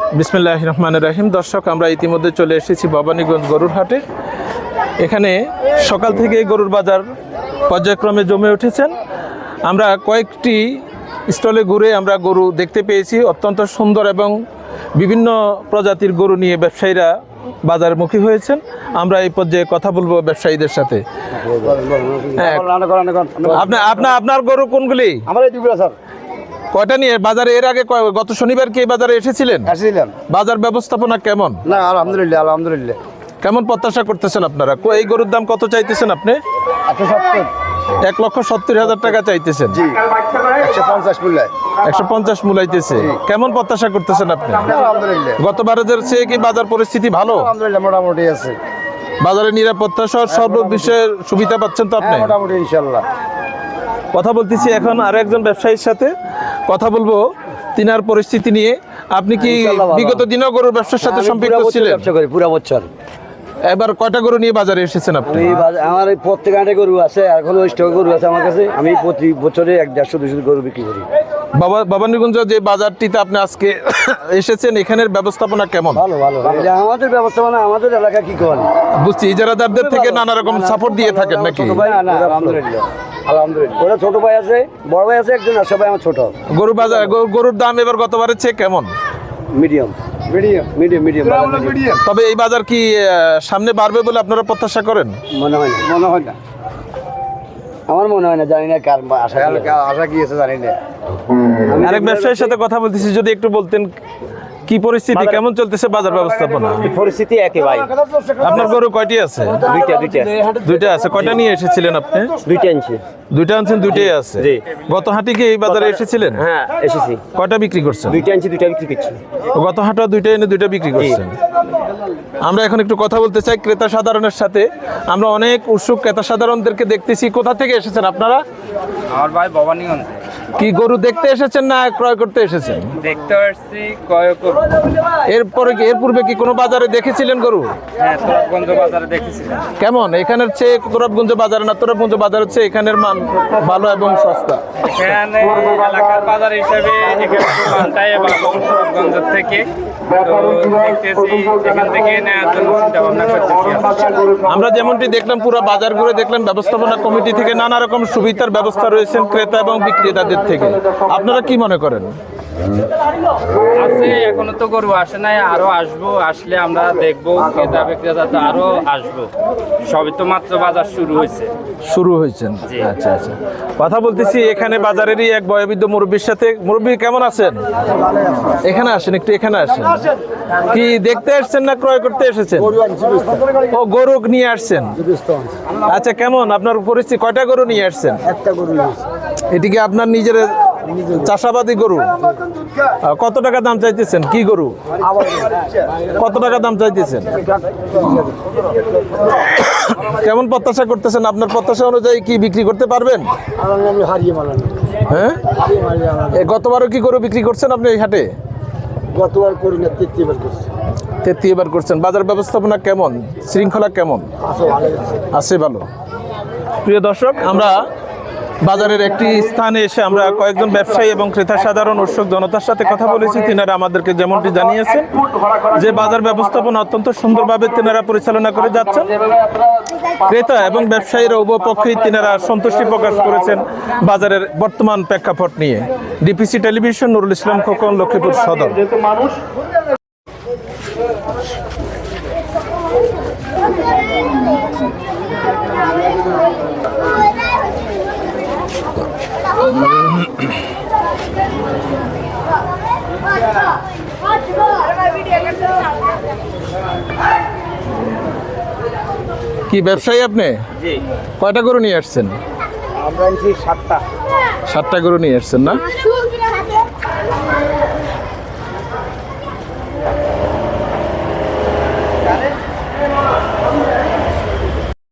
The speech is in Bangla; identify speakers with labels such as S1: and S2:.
S1: বিসমিল্লাহির রহমানির রহিম। দর্শক, আমরা ইতিমধ্যে চলে এসেছি ভবানীগঞ্জ গরুর হাটে। এখানে সকাল থেকে গরুর বাজার পর্যায়ক্রমে জমে উঠেছেন। আমরা কয়েকটি স্টলে ঘুরে আমরা গরু দেখতে পেয়েছি। অত্যন্ত সুন্দর এবং বিভিন্ন প্রজাতির গরু নিয়ে ব্যবসায়ীরা বাজারমুখী হয়েছেন। আমরা এই পর্যায়ে কথা বলবো ব্যবসায়ীদের সাথে। আপনার গরু কোনগুলি?
S2: আমার এই দুগুলো স্যার।
S1: কয়টা নিয়ে বাজারে এর আগে গত শনিবার কি এই বাজারে এসেছিলেন? বাজার ব্যবস্থাপনা কেমন?
S2: না, আলহামদুলিল্লাহ আলহামদুলিল্লাহ।
S1: কেমন প্রত্যাশা করতেছেন আপনারা? এই গরুর দাম কত চাইতেছেন আপনি? 1,70,000 টাকা চাইতেছেন। 150 মূলাইতেছে। কেমন প্রত্যাশা করতেছেন আপনি?
S2: আলহামদুলিল্লাহ।
S1: গতবারের চেয়ে কি বাজার পরিস্থিতি ভালো?
S2: আলহামদুলিল্লাহ, মোটামুটি আছে।
S1: বাজারে নিরাপত্তা সহ সর্ব বিষয়ের সুবিধা পাচ্ছেন তো আপনি?
S2: মোটামুটি ইনশাআল্লাহ।
S1: কথা বলতেছি এখন আরো একজন ব্যবসায়ীর সাথে কথা বলবো তিনার পরিস্থিতি নিয়ে। আপনি কি বিগত দিনেও গরুর ব্যবসার সাথে সম্পৃক্ত ছিলেন?
S2: ব্যবসা করি পুরো বছর।
S1: এবার কয়টা গরু নিয়ে বাজারে এসেছেন আপনি?
S2: আমার প্রত্যেক হাটে গরু আছে, এখন স্টক গরু আছে আমার কাছে। আমি প্রতি বছরে 150-200 গরু বিক্রি করি।
S1: ভবানীগঞ্জ যে বাজারটিতে আপনি আজকে এসেছেন, এখানের ব্যবস্থাপনা কেমন?
S2: ভালো ভালো। আমাদের ব্যবস্থাপনা আমাদের এলাকা কি করেন বুঝছি,
S1: ইজারাদারদের থেকে নানা রকম সাপোর্ট দিয়ে থাকেন নাকি?
S2: আলহামদুলিল্লাহ আলহামদুলিল্লাহ। ওরা ছোট ভাই আছে, বড় ভাই আছে একজন, আর সবাই আমার ছোট।
S1: গরুর দাম এবার গতবারের চেয়ে কেমন?
S2: মিডিয়াম।
S1: তবে এই বাজার কি সামনে বাড়বে বলে আপনারা প্রত্যাশা করেন?
S2: মনে হয় না। আমার মনে হয় না, জানি না কার আশা কি আছে জানি না।
S1: আরেক ব্যবসায়ীর সাথে কথা বলতেছি, যদি একটু বলতেন কি পরিস্থিতি, কেমন চলতেছে বাজার ব্যবস্থাপনা?
S2: পরিস্থিতি একই ভাই।
S1: আপনার গরু কয়টি আছে? দুইটা আছে। কয়টা নিয়ে এসেছিলেন আপনি? দুইটা আনছেন, দুইটাই আছে। গত হাটে কি এই বাজারে এসেছিলেন?
S2: হ্যাঁ, এসেছি।
S1: কয়টা বিক্রি করছেন?
S2: দুইটা বিক্রি করছি।
S1: গত হাটে দুইটা এনে দুইটা বিক্রি করছেন। আমরা এখন একটু কথা বলতে চাই ক্রেতা সাধারণের সাথে। আমরা অনেক উৎসুক ক্রেতা সাধারণদেরকে দেখতেছি। কোথা থেকে এসেছেন আপনারা?
S3: আমার ভাই ভবানীগঞ্জ।
S1: কি গরু দেখতে এসেছেন না ক্রয় করতে এসেছেন?
S3: দেখতে আসছি, ক্রয় করব।
S1: এর পূর্বে কি কোনো বাজারে দেখেছিলেন গরু?
S3: হ্যাঁ, তোরাবগঞ্জ বাজারে দেখেছিলাম।
S1: কেমন? এখানের চেয়ে তোরাবগঞ্জ বাজারে না তোরাবগঞ্জ বাজারের চেয়ে এখানের মান ভালো এবং সস্তা?
S3: এখানে এলাকার বাজার হিসেবে এখানে মানটাই ভালো তোরাবগঞ্জের থেকে। তো দেখতেছি এখান থেকে নেওয়ার জন্য চিন্তা ভাবনা করতেছি।
S1: আমরা যেমনটি দেখলাম, পুরো বাজার ঘুরে দেখলাম ব্যবস্থাপনা কমিটি থেকে নানা রকম সুবিধার ব্যবস্থা রয়েছে ক্রেতা এবং বিক্রেতাদের থেকে। আপনারা কি মনে করেন?
S3: আছে, এখনো তো গরু আসে নাই, আরো আসবো। আসলে আমরা দেখবো, ক্রেতা বিক্রেতা তো আরো আসবো। সবই তো মাত্র বাজার শুরু হয়েছেন।
S1: আচ্ছা। কথা বলতেছি এখানে বাজারেরই এক বয়োবৃদ্ধ মুরব্বীর সাথে। মুরব্বী কেমন আছেন? এখানে আসেন, একটু এখানে আসেন। কি দেখতে আসছেন না ক্রয় করতে এসেছেন? ও, গরু নিয়ে আসছেন। আচ্ছা, কেমন আপনার পরিস্থিতি? কয়টা গরু নিয়ে আসছেন?
S2: একটা গরু।
S1: এটিকে আপনার নিজের চাষাবাদী গরু? কত টাকা দাম চাইতেছেন? কি গরু? কত টাকা দাম চাইতেছেন? কেমন প্রত্যাশা করতেছেন? আপনার প্রত্যাশা অনুযায়ী কি বিক্রি করতে পারবেন? হ্যাঁ, গতবারও কি গরু বিক্রি করছেন আপনি এই হাটে?
S2: গতবার করি না,
S1: 33 বার করছেন। বাজার ব্যবস্থাপনা কেমন? শৃঙ্খলা কেমন আছে? ভালো। প্রিয় দর্শক, আমরা বাজারের একটি স্থানে এসে আমরা কয়েকজন ব্যবসায়ী এবং ক্রেতা সাধারণ উৎসুক জনতার সাথে কথা বলেছি। তিনারা আমাদেরকে যেমনটি জানিয়েছেন যে বাজার ব্যবস্থাপনা অত্যন্ত সুন্দরভাবে তিনারা পরিচালনা করে যাচ্ছেন। ক্রেতা এবং ব্যবসায়ীরা উভয় পক্ষেই তিনারা সন্তুষ্টি প্রকাশ করেছেন বাজারের বর্তমান প্রেক্ষাপট নিয়ে। DPC television, Nurul Islam Khokon, Lakshmipur Sadar. কি ব্যবসায়ী আপনি? কয়টা গরু নিয়ে আসছেন?
S2: আমরা 7টা
S1: গরু নিয়ে আসছেন না?